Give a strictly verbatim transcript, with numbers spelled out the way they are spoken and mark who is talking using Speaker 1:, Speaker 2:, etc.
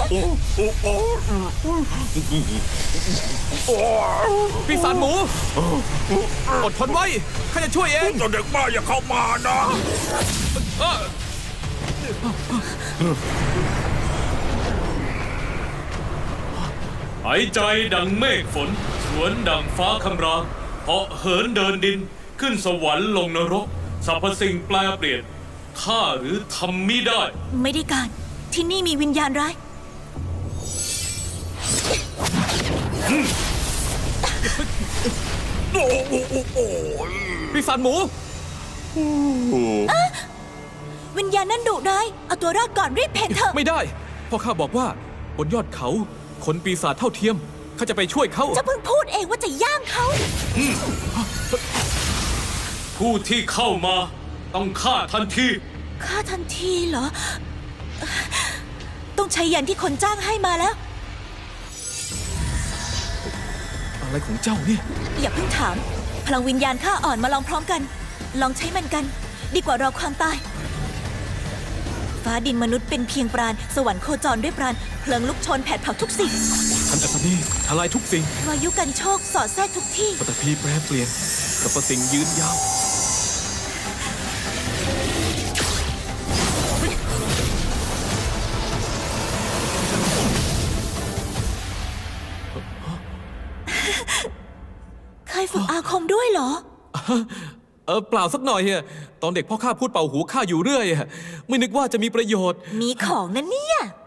Speaker 1: ปีศาจหมูอดทนไว้ข้าจะช่วยเอง
Speaker 2: เด็กบ้าอย่าเข้ามานะ
Speaker 3: หายใจดังเมฆฝนสวนดังฟ้าคำรามเหาะเหินเดินดินขึ้นสวรรค์ลงนรกสรรพสิ่งแปลเปลี่ยนข้าหรือทำมิได้
Speaker 4: ไม่ได้การที่นี่มีวิญญาณร้าย
Speaker 1: ปีศาจหมู
Speaker 4: วิญญาณนั่นดุร้ายเอาตัวรอดก่อนรีบเพ่นเถอะ
Speaker 1: ไม่ได้เพราะข้าบอกว่าบนยอดเขาคนปีศาจเท่าเทียมข้าจะไปช่วยเขา
Speaker 4: จะเพิ่งพูดเองว่าจะย่างเขา
Speaker 3: ผู้ที่เข้ามาต้องฆ่าทันที
Speaker 4: ฆ่าทันทีเหรอต้องใช้ยันที่คนจ้างให้มาแล้ว
Speaker 1: อะไรของเจ้าเนี่ย
Speaker 4: อย่าเพิ่งถามพลังวิญญาณข้าอ่อนมาลองพร้อมกันลองใช้มันกันดีกว่ารอความตายฟ้าดินมนุษย์เป็นเพียงปราณสวรรค์โคจรด้วยปราณเพลิงลุกโชนแผดเผาทุกสิ่ง
Speaker 1: ท่านอัศนีทลายทุกสิ่ง
Speaker 4: วายุกันโชคสอดแทรกทุกที่
Speaker 1: ปฐพีแปรเปลี่ยนสรรพสิ่งยืนยาว
Speaker 4: เคยฝึกอาคมด้วยเหรอ
Speaker 1: เออเปล่าสักหน่อยอะตอนเด็กพ่อข้าพูดเป่าหูข้าอยู่เรื่อยอะไม่นึกว่าจะมีประโยชน์
Speaker 4: มีของนั่นเนี่ย